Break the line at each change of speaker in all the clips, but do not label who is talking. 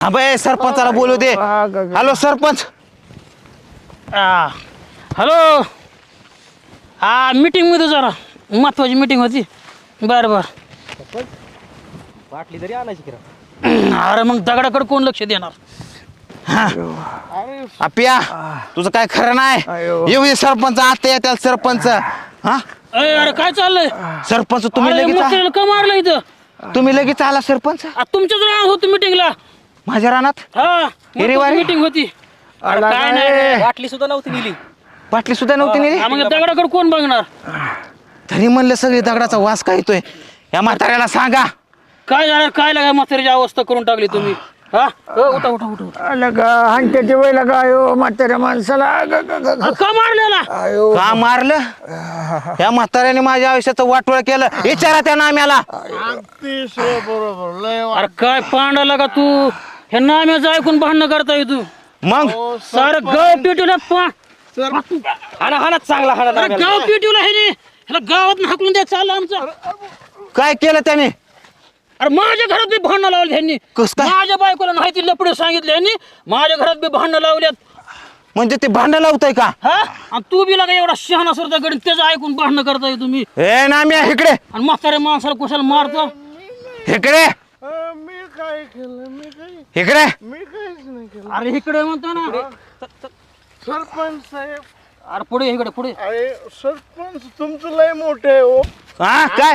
अबे सरपंचाला बोलू दे. हॅलो सरपंच.
हॅलो. हा मीटिंग मध्ये जरा महत्वाची मीटिंग होती. बर बर.
बाटली तरी आणायची किरा.
अरे मग दगडाकडे कोण लक्ष देणार.
आप्या तुझं काय खरं नाही. येऊ दे सरपंच. आता येत्या सरपंच. हा
अरे काय चाललंय.
सरपंच तुम्ही लगेच
का मारलं इथं.
तुम्ही लगेच आला सरपंच.
तुमच्याच राहणार होतो मीटिंगला.
माझ्या रानात
हा मीटिंग होती. अरे काय नाही.
बाटली सुद्धा नव्हती नेली.
बाटली सुद्धा नव्हती नेली.
मग दगडाकडे कोण बघणार.
तरी म्हणलं सगळी दगडाचा वास काय येतोय. या म्हाताऱ्याला सांगा.
काय झालं काय लागाय म्हातारीची अवस्था करून टाकली तुम्ही. हा उठा उठा उठा.
हांट्याच्या वेळेला काय म्हाताऱ्या माणसाला
का मारलेला.
का मारलं. या म्हाताऱ्याने माझ्या आयुष्याचं वाटोळ केलं. विचारा त्या नाम्याला.
अरे काय पांडाला का तू. हे नाम्याचं ऐकून भांडणं करताय तू.
मग
सारं गाव पिटवलं.
हाणा हाणा चांगला हाणा.
गाव पिटवलं हे ह्याला गावात हाकलून द्या चाललं आमचं.
काय केलं त्याने.
अरे माझ्या घरात बी भांडणं लावली ह्यांनी.
कसं काय?
माझ्या बायकोला नाही ती लपडे सांगितले ह्यांनी. माझ्या घरात बी भांडणं लावल्यात.
म्हणजे ते भांडण लावतय का.
हा आणि तू बी लागा एवढा शहाणा सरता गडी त्याचं ऐकून भांडणं करताय तुम्ही.
ए नाम्या इकडे.
आणि म्हाताऱ्या माणसाला कुशाला मारतो.
इकडे
मी काय केलं.
इकडे.
मी काहीच नाही केलं.
अरे इकडे म्हणतो ना.
सरपंच साहेब.
अरे पुढे इकडे पुढे.
अरे सरपंच तुमचं लय मोठे आहे हो.
हा काय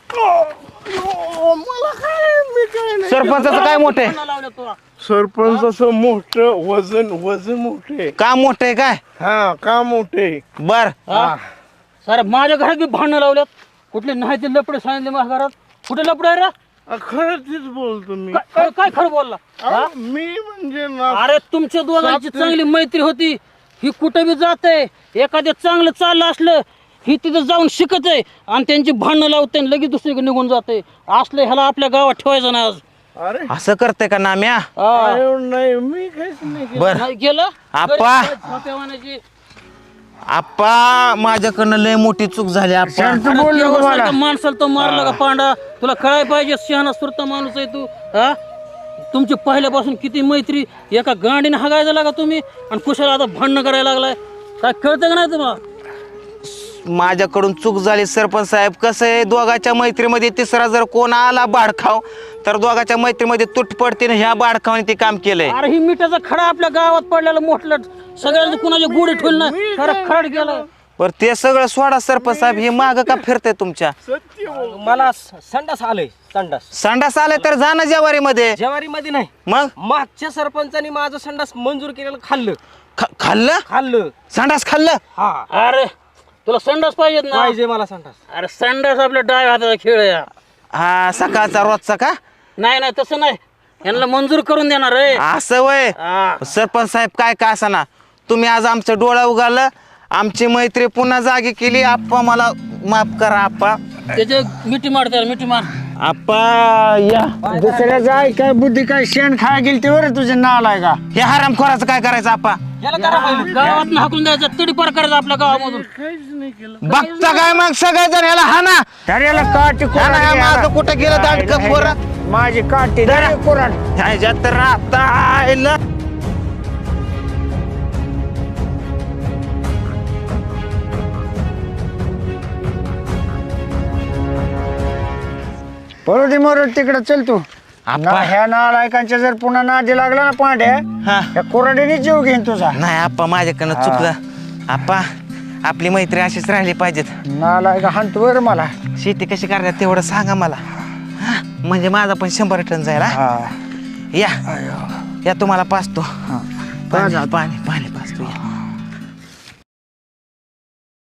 मला काय मी काय नाही.
सरपंचाचं काय मोठं आहे.
भांडणं लावल्यात तुला.
सरपंचाचं मोठं वजन मोठे.
का मोठं आहे काय.
हा का मोठे.
बर
सर माझ्या घरात बी भांडणं लावल्यात. कुठले नाही ते लपडे सांगितले माझ्या घरात. कुठे लपडे आहे रा.
खरं तीच बोलतो मी.
काय खरं बोलला.
मी म्हणजे ना.
अरे तुमच्या दोघांची चांगली मैत्री होती. ही कुठे बी जाते. एखाद्या चांगलं चाललं असलं ही तिथं जाऊन शिकत आहे आणि त्यांची भांडणं लावते आणि लगेच दुसरीकडे निघून जाते. असलं ह्याला आपल्या गावात ठेवायचं नाही आज.
अरे
असं करते का नाम्या.
नाही मी काहीच नाही केलं.
बर
नाही गेलं
आप्पा.
छोट्यावानाची.
आप्पा माझ्याकडनं लय मोठी चूक झाली. आप्पा
अरे माणसाला तो मारला का पांडा. तुला कळायला पाहिजे शहाणा सुरता माणूस आहे तू. हा तुमची पहिल्यापासून किती मैत्री. एका गांडीने हागायला लागा तुम्ही आणि कुशाला आता भांडणं करायला लागलाय. काय कळतं का नाही तुम्हाला.
माझ्याकडून चूक झाली सरपंच साहेब. कसं आहे दोघाच्या मैत्रीमध्ये तिसरा जर कोण आला बाडखाव तर दोघाच्या मैत्रीमध्ये तुट पडते. ह्या बाडखावाने ते काम केलंय.
अरे ही मिठाचा खडा आपल्या गावात पडलेला मोठलं सगळ्यांनी कुणाची गुढी ठेवली नाही. खरं खड गेलं.
पर ते सगळं सोडा सरपंच साहेब. हे माग का फिरतंय तुमच्या.
मला संडास आलंय. संडास
संडास आलाय तर जा ना जेवारी मध्ये.
जेवारी मध्ये नाही.
मग
मागच्या सरपंचानी माझं संडास मंजूर केलेलं खाल्लं.
खाल्लं संडास खाल्लं.
हा
अरे तुला संडास पाहिजेत ना.
पाहिजे मला संडास.
अरे संडास आपल्या डाव्या हाताचा खेळ आहे.
हा सकाळचा रोजचा का.
नाही नाही तसं नाही. यांना मंजूर करून देणार रे.
असं वय सरपंच साहेब. काय का असा ना तुम्ही आज आमचं डोळा उगालं. आमची मैत्री पुन्हा जागी केली. आप्पा मला माफ करा आप्पा.
त्याचे मिठी मार त्याला मिठी मार.
आप्पा या.
दुसऱ्या जाय काय बुद्धी काय शेण खाय गेली ते बरं तुझे नाल आहे का.
हे हरामखोराचं काय करायचं आप्पा.
याला करा पाहिजे.
गावात हाकून द्यायचं तडी पार करायचं आपल्या गावामधून.
काहीच नाही केलं.
बघता काय मग सगळेजण ह्याला हाना.
त्याला काठी
माझं कुठं गेलं दांडकं पोरं.
माझी काठी कुराड.
ह्याच्यात तर आता आयलं.
पळू दे मरू तिकडे चल तू.
आप्पा.
ह्या नालायकांच्या जर पुन्हा नादी लागला ना पांड्या
हा
त्या कोराडीने जीव घेईन तुझा.
नाही आप्पा माझ्याकडनं चुकलं. आप्पा आपली मैत्री अशीच राहिली पाहिजेत.
नालायका हाणतो बरं मला.
शेती कशी करतात तेवढं सांगा मला. हा, म्हणजे माझा पण 100 टन जाईल. या या तुम्हाला पाचतो. पाणी पाणी पाणी पाचतो या.